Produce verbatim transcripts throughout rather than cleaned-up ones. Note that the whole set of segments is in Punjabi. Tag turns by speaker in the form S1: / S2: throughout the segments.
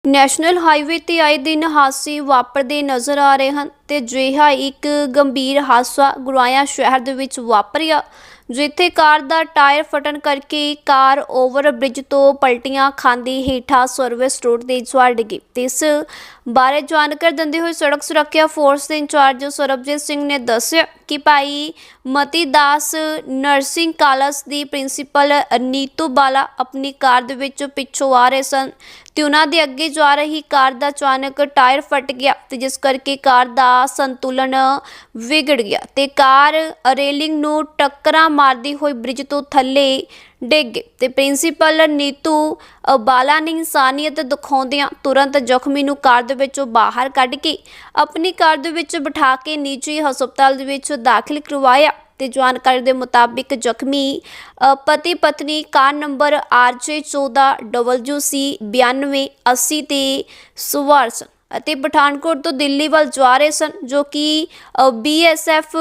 S1: ਨੈਸ਼ਨਲ ਹਾਈਵੇ ਤੇ ਆਏ ਦਿਨ ਹਾਦਸੇ ਵਾਪਰਦੇ ਨਜ਼ਰ ਆ ਰਹੇ ਹਨ ਤੇ ਅਜਿਹਾ ਇੱਕ ਗੰਭੀਰ ਹਾਦਸਾ ਗੁਰਾਇਆ ਸ਼ਹਿਰ ਦੇ ਵਿੱਚ ਵਾਪਰਿਆ, ਜਿੱਥੇ ਕਾਰ ਦਾ ਟਾਇਰ ਫਟਣ ਕਰਕੇ ਕਾਰ ਓਵਰ ਬ੍ਰਿਜ ਤੋਂ ਪਲਟੀਆਂ ਖਾਂਦੀ ਹੇਠਾਂ ਸਰਵਿਸ ਰੋਡ ਤੇ ਜਾ ਡਿੱਗੀ। ਤੇ ਇਸ ਬਾਰੇ ਜਾਣਕਾਰੀ ਦਿੰਦੇ ਹੋਏ ਸੜਕ ਸੁਰੱਖਿਆ ਫੋਰਸ ਦੇ ਇੰਚਾਰਜ ਸਰਬਜੀਤ ਸਿੰਘ ਨੇ ਦੱਸਿਆ ਕਿ ਭਾਈ ਮਤੀ ਦਾਸ ਨਰਸਿੰਗ ਕਾਲਜ ਦੀ ਪ੍ਰਿੰਸੀਪਲ ਨੀਤੂ ਬਾਲਾ ਆਪਣੀ ਕਾਰ ਦੇ ਵਿੱਚ ਪਿੱਛੋਂ ਆ ਰਹੇ ਸਨ ਤੇ ਉਹਨਾਂ ਦੇ ਅੱਗੇ ਜਾ ਰਹੀ ਕਾਰ ਦਾ ਅਚਾਨਕ ਟਾਇਰ ਫਟ ਗਿਆ ਤੇ ਜਿਸ ਕਰਕੇ ਕਾਰ ਦਾ ਸੰਤੁਲਨ ਵਿਗੜ ਗਿਆ ਤੇ ਕਾਰ ਰੇਲਿੰਗ ਨੂੰ ਟੱਕਰਾਂ ਮਾਰਦੀ ਹੋਈ ਬ੍ਰਿਜ ਤੋਂ ਥੱਲੇ ਡਿੱਗ ਗਈ ਤੇ ਪ੍ਰਿੰਸੀਪਲ ਨੀਤੂ ਬਾਲਾ ਨੇ ਇਨਸਾਨੀਅਤ ਦਿਖਾਉਂਦਿਆਂ ਤੁਰੰਤ ਜ਼ਖਮੀ ਨੂੰ ਕਾਰ ਦੇ ਵਿੱਚੋਂ ਬਾਹਰ ਕੱਢ ਕੇ ਆਪਣੀ ਕਾਰ ਦੇ ਵਿੱਚ ਬਿਠਾ ਕੇ ਨਿੱਜੀ ਹਸਪਤਾਲ ਦੇ ਵਿੱਚ ਦਾਖਲ ਕਰਵਾਇਆ। ਤੇ ਜਾਣਕਾਰੀ ਦੇ ਮੁਤਾਬਿਕ ਜ਼ਖਮੀ ਪਤੀ ਪਤਨੀ ਕਾਰ ਨੰਬਰ ਆਰ ਜੇ ਚੌਦਾਂ ਡਬਲਯੂ ਸੀ ਬਿਆਨਵੇਂ ਅੱਸੀ ਤੇ ਸਵਾਰ ਸਨ ਅਤੇ ਪਠਾਨਕੋਟ ਤੋਂ ਦਿੱਲੀ ਵੱਲ ਜਾ ਰਹੇ ਸਨ, ਜੋ ਕਿ ਬੀ ਐਸ ਐਫ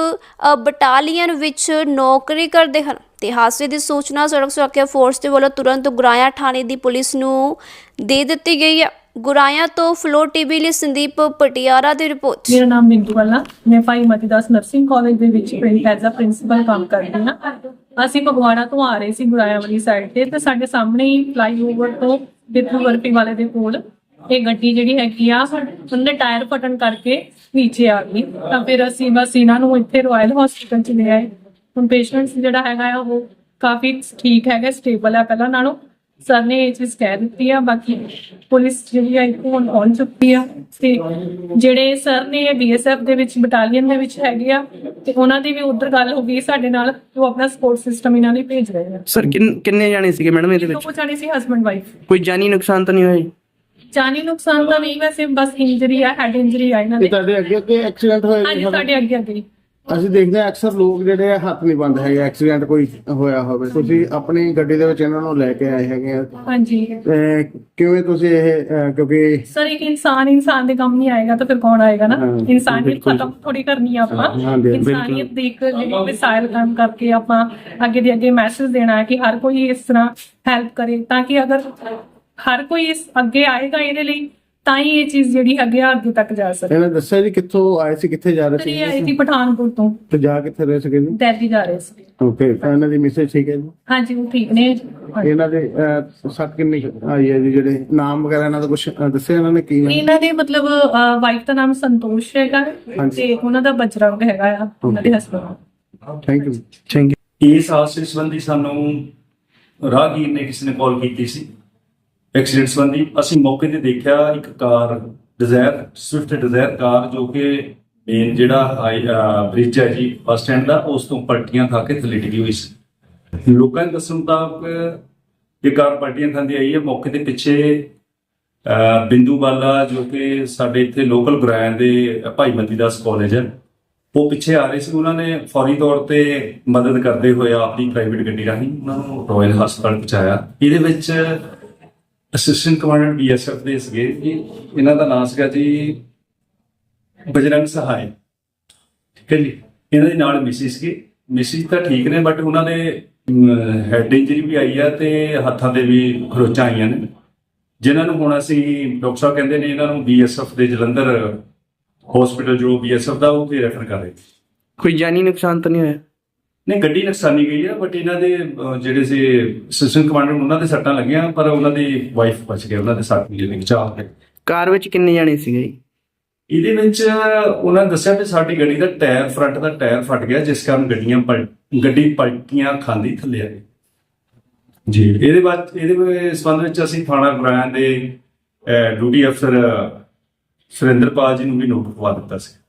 S1: ਬਟਾਲੀਅਨ ਵਿੱਚ ਨੌਕਰੀ ਕਰਦੇ ਹਨ। ਤੇ ਹਾਦਸੇ ਦੀ ਸੂਚਨਾ ਸੜਕ ਸੁਰੱਖਿਆ ਫੋਰਸ ਦੇ ਵੱਲੋਂ ਤੁਰੰਤ ਗੁਰਾਇਆ ਥਾਣੇ ਦੀ ਪੁਲਿਸ ਨੂੰ ਦੇ ਦਿੱਤੀ ਗਈ ਹੈ। ਗੁਰਾਇਆ ਤੋਂ ਫਲੋ ਟੀਵੀ ਲਈ ਸੰਦੀਪ ਪਟਿਆਲਾ ਦੀ ਰਿਪੋਰਟ।
S2: ਮੇਰਾ ਨਾਮ ਬਿੰਦੂ ਵਾਲਾ, ਮੈਂ ਭਾਈ ਮਤੀ ਦਾਸ ਨਰਸਿੰਗ ਕਾਲਜ ਦੇ ਵਿੱਚ ਐਜ਼ ਅ ਪ੍ਰਿੰਸੀਪਲ ਕੰਮ ਕਰਦੀ ਹਾਂ। ਅਸੀਂ ਫਗਵਾੜਾ ਤੋਂ ਆ ਰਹੇ ਸੀ ਗੁਰਾਇਆ ਵਾਲੀ ਸਾਈਡ ਤੇ ਤੇ ਸਾਡੇ ਸਾਹਮਣੇ ਹੀ ਫਲਾਈਓਵਰ ਤੋਂ ਬਿੱਥੂ ਵਰਪੀ ਵਾਲੇ ਦੇ ਕੋਲ ਇਹ ਗੱਡੀ ਜਿਹੜੀ ਹੈਗੀ ਆ ਉਹਦੇ ਟਾਇਰ ਫਟਣ ਕਰਕੇ ਨੀਚੇ ਆ ਗਈ। ਤਾਂ ਫਿਰ ਅਸੀਂ ਬਸ ਇਹਨਾਂ ਨੂੰ ਇੱਥੇ ਰਾਇਲ ਹਸਪੀਟਲ ਚ ਲੈ ਆਏ। ਹੁਣ ਪੇਸ਼ੈਂਟਸ ਜਿਹੜਾ ਹੈਗਾ ਆ ਉਹ ਕਾਫੀ ਠੀਕ ਹੈਗਾ, ਸਟੇਬਲ ਹੈ ਪਹਿਲਾਂ ਨਾਲੋਂ। ਸਰ ਨੇ ਇਹ ਚੀਜ਼ ਕਹਿ ਦਿੱਤੀ ਆ। ਬਾਕੀ ਪੁਲਿਸ ਜਿਹੜੀ ਆ ਇੱਥੋਂ ਹੁਣ ਪਹੁੰਚ ਚੁੱਕੀ ਆ ਤੇ ਜਿਹੜੇ ਸਰ ਨੇ ਬੀ ਐਸ ਐਫ ਦੇ ਵਿੱਚ ਬਟਾਲੀਅਨ ਦੇ ਵਿੱਚ ਹੈਗੇ ਆ ਤੇ ਉਹਨਾਂ ਦੀ ਵੀ ਉਧਰ ਗੱਲ ਹੋ ਗਈ ਸਾਡੇ ਨਾਲ, ਉਹ ਆਪਣਾ ਸਪੋਰਟ ਸਿਸਟਮ ਇਹਨਾਂ ਲਈ ਭੇਜ ਰਹੇ ਆ।
S3: ਸਰ ਕਿੰਨੇ ਜਾਣੇ ਸੀਗੇ ਮੈਡਮ ਇਹਦੇ ਵਿੱਚ?
S2: ਦੋ ਜਾਣੇ ਸੀ, ਹਸਬੈਂਡ ਵਾਈਫ।
S3: ਕੋਈ ਜਾਨੀ ਨੁਕਸਾਨ ਤਾਂ ਨਹੀਂ ਹੋਇਆ?
S2: ਜਾਨੀ ਨੁਕਸਾਨ ਤਾਂ ਨਹੀਂ, ਵੈਸੇ ਬਸ ਇੰਜਰੀ ਆ, ਹੈਡ ਇੰਜਰੀ ਆ ਇਹਨਾਂ ਦੇ।
S4: ਤੁਹਾਡੇ ਅੱਗੇ ਅੱਗੇ ਐਕਸੀਡੈਂਟ ਹੋਇਆ?
S2: ਹਾਂਜੀ, ਸਾਡੇ ਅੱਗੇ ਅੱਗੇ
S4: ਅਸੀਂ ਦੇਖਦੇ ਹਾਂ ਅਕਸਰ ਲੋਕ ਜਿਹੜੇ ਆ ਹੱਥ ਨਹੀਂ ਬੰਦ ਹੈਗੇ, ਐਕਸੀਡੈਂਟ ਕੋਈ ਹੋਇਆ ਹੋਵੇ। ਤੁਸੀਂ ਆਪਣੀ ਗੱਡੀ ਦੇ ਵਿੱਚ ਇਹਨਾਂ ਨੂੰ ਲੈ ਕੇ ਆਏ ਹੈਗੇ ਆ।
S2: ਹਾਂਜੀ।
S4: ਤੇ ਕਿਵੇਂ ਤੁਸੀਂ ਇਹ ਅਹ, ਕਿਉਂਕਿ
S2: ਸਰ ਇੱਕ ਇਨਸਾਨ ਇਨਸਾਨ ਦੇ ਕੰਮ ਨਹੀਂ ਆਏਗਾ ਤਾਂ ਫਿਰ ਕੌਣ ਆਏਗਾ ਨਾ। ਇਨਸਾਨੀਅਤ ਖਤਮ ਥੋੜੀ ਕਰਨੀ ਆ ਆਪਾਂ। ਇਨਸਾਨੀਅਤ ਦੀ ਇੱਕ ਜਿਹੜੀ ਮਿਸਾਲ ਕੰਮ ਕਰਕੇ ਆਪਾਂ ਅੱਗੇ ਦੇ ਅੱਗੇ ਮੈਸੇਜ ਦੇਣਾ ਹੈ ਕਿ ਹਰ ਕੋਈ ਇਸ ਤਰ੍ਹਾਂ ਹੈਲਪ ਕਰੇ, ਤਾਂ ਕਿ ਅਗਰ ਹਰ ਕੋਈ ਇਸ ਅੱਗੇ ਆਏਗਾ ਇਹਦੇ ਲਈ ਤਾਂ ਹੀ ਇਹ ਚੀਜ਼ ਜਿਹੜੀ ਅੱਗੇ ਅੱਗੇ ਤੱਕ ਜਾ ਸਕੇ।
S4: ਇਹਨਾਂ ਦੱਸਿਆ ਜੀ ਕਿੱਥੋਂ ਆਏ ਸੀ, ਕਿੱਥੇ ਜਾ ਰਹੇ ਸੀ?
S2: ਇਹ ਆਏ ਸੀ ਪਠਾਨਕੋਟ ਤੋਂ।
S4: ਤੇ ਜਾ ਕਿੱਥੇ ਰਹੇ ਸੀਗੇ ਜੀ?
S2: ਦਿੱਲੀ ਜਾ ਰਹੇ ਸੀ।
S4: ਓਕੇ, ਇਹਨਾਂ ਦੀ ਮੈਸੇਜ ਠੀਕ ਹੈ ਜੀ?
S2: ਹਾਂਜੀ, ਉਹ ਠੀਕ ਨੇ।
S4: ਇਹਨਾਂ ਦੇ ਸੱਟ ਕਿੰਨੀ ਆਈ ਹੈ ਜੀ? ਜਿਹੜੇ ਨਾਮ ਵਗੈਰਾ ਇਹਨਾਂ ਦਾ ਕੁਝ ਦੱਸਿਆ ਇਹਨਾਂ ਨੇ ਕੀ?
S2: ਇਹਨਾਂ ਦੇ ਮਤਲਬ ਵਾਈਫ ਦਾ ਨਾਮ ਸੰਤੋਸ਼ ਹੈਗਾ ਤੇ ਉਹਨਾਂ ਦਾ ਬਜਰੰਗ ਹੈਗਾ ਆ, ਉਹਨਾਂ ਦੇ husband.
S4: Thank you
S3: thank you.
S5: ਇਸ ਹਾਦਸੇ ਸੰਬੰਧੀ ਸਾਨੂੰ ਰਾਹਗੀਰ ਨੇ ਕਿਸੇ ਨੇ ਕਾਲ ਕੀਤੀ ਸੀ ਐਕਸੀਡੈਂਟ ਸੰਬੰਧੀ। ਅਸੀਂ ਮੌਕੇ ਤੇ ਦੇਖਿਆ ਇੱਕ car Dzire Swift Dzire car ਜੋ ਕਿ ਮੇਨ ਜਿਹੜਾ ਬ੍ਰਿਜ ਹੈ ਜੀ ਬੱਸ ਸਟੈਂਡ ਦਾ, ਉਸ ਤੋਂ ਪਲਟੀਆਂ ਖਾ ਕੇ ਥੱਲੇ ਡਿੱਗੀ ਹੋਈ ਸੀ। ਲੋਕਾਂ ਦੇ ਦੱਸਣ ਮੁਤਾਬਕ ਇਹ ਕਾਰ ਪਲਟੀਆਂ ਖਾਂਦੀ ਆਈ ਹੈ। ਮੌਕੇ ਤੇ ਪਿੱਛੇ ਬਿੰਦੂ ਬਾਲਾ ਜੋ ਕਿ ਸਾਡੇ ਇੱਥੇ ਲੋਕਲ ਗੁਰਾਇਆ ਦੇ ਭਾਈ ਮਤੀ ਦਾਸ ਕਾਲਜ ਹੈ, ਉਹ ਪਿੱਛੇ ਆ ਰਹੇ ਸੀ। ਉਹਨਾਂ ਨੇ ਫੌਰੀ ਤੌਰ ਤੇ ਮਦਦ ਕਰਦੇ ਹੋਏ ਆਪਣੀ ਪ੍ਰਾਈਵੇਟ ਗੱਡੀ ਰਾਹੀਂ ਉਹਨਾਂ ਨੂੰ ਰਾਇਲ ਹਸਪਤਾਲ ਪਹੁੰਚਾਇਆ। ਇਹਦੇ ਵਿੱਚ assistant commandant B S F ਦੇ ਸੀਗੇ ਜੀ, ਇਹਨਾਂ ਦਾ ਨਾਮ ਸੀਗਾ ਜੀ ਬਜਰੰਗ ਸਹਾਇ, ਠੀਕ ਹੈ ਜੀ। ਇਹਨਾਂ ਦੇ ਨਾਲ ਮਿਸਿਸ ਸੀਗੇ। ਮਿਸਿਸ ਤਾਂ ਠੀਕ ਨੇ ਬਟ ਉਹਨਾਂ ਦੇ ਹੈਡ ਇੰਜਰੀ ਵੀ ਆਈ ਆ ਤੇ ਹੱਥਾਂ ਤੇ ਵੀ ਖਰੋਚਾਂ ਆਈਆਂ ਨੇ, ਜਿਨ੍ਹਾਂ ਨੂੰ ਹੁਣ ਅਸੀਂ ਡਾਕਟਰ ਸਾਹਿਬ ਕਹਿੰਦੇ ਨੇ ਇਹਨਾਂ ਨੂੰ ਬੀ ਐਸ ਐਫ ਦੇ ਜਲੰਧਰ ਹਸਪੀਟਲ ਜੋ ਬੀ ਐਸ ਐਫ ਦਾ ਉਹ ਤੇ ਰੈਫਰ ਕਰ ਰਹੇ।
S3: ਕੋਈ ਜਾਨੀ ਨੁਕਸਾਨ ਤਾਂ ਨਹੀਂ ਹੋਇਆ?
S5: ਨਹੀਂ, ਗੱਡੀ ਨੁਕਸਾਨੀ ਗਈ ਆ ਬਟ ਇਹਨਾਂ ਦੇ ਜਿਹੜੇ ਸੀ ਅਸਿਸਟੈਂਟ ਕਮਾਂਡੈਂਟ ਉਹਨਾਂ ਦੇ ਸੱਟਾਂ ਲੱਗੀਆਂ, ਪਰ ਉਹਨਾਂ ਦੀ ਵਾਈਫ ਬਚ ਗਏ, ਉਹਨਾਂ ਦੇ ਸੱਟ ਨਹੀਂ ਲੱਗੀ ਚਾਹ ਕੇ।
S3: ਕਾਰ ਵਿੱਚ ਕਿੰਨੇ ਜਾਣੇ ਸੀਗੇ ਜੀ?
S5: ਇਹਦੇ ਵਿੱਚ ਉਹਨਾਂ ਨੇ ਦੱਸਿਆ ਵੀ ਸਾਡੀ ਗੱਡੀ ਦਾ ਟਾਇਰ ਫਰੰਟ ਦਾ ਟਾਇਰ ਫਟ ਗਿਆ, ਜਿਸ ਕਾਰਨ ਗੱਡੀਆਂ ਪਲ ਗੱਡੀ ਪਲਟੀਆਂ ਖਾਂਦੀ ਥੱਲੇ ਆ ਗਈ ਜੀ। ਇਹਦੇ ਬਾਅਦ ਇਹਦੇ ਸੰਬੰਧ ਵਿੱਚ ਅਸੀਂ ਥਾਣਾ ਗੁਰਾਇਆ ਦੇ ਡਿਊਟੀ ਅਫਸਰ ਸੁਰਿੰਦਰਪਾਲ ਜੀ ਨੂੰ ਵੀ ਨੋਟ ਕਰਵਾ ਦਿੱਤਾ ਸੀ।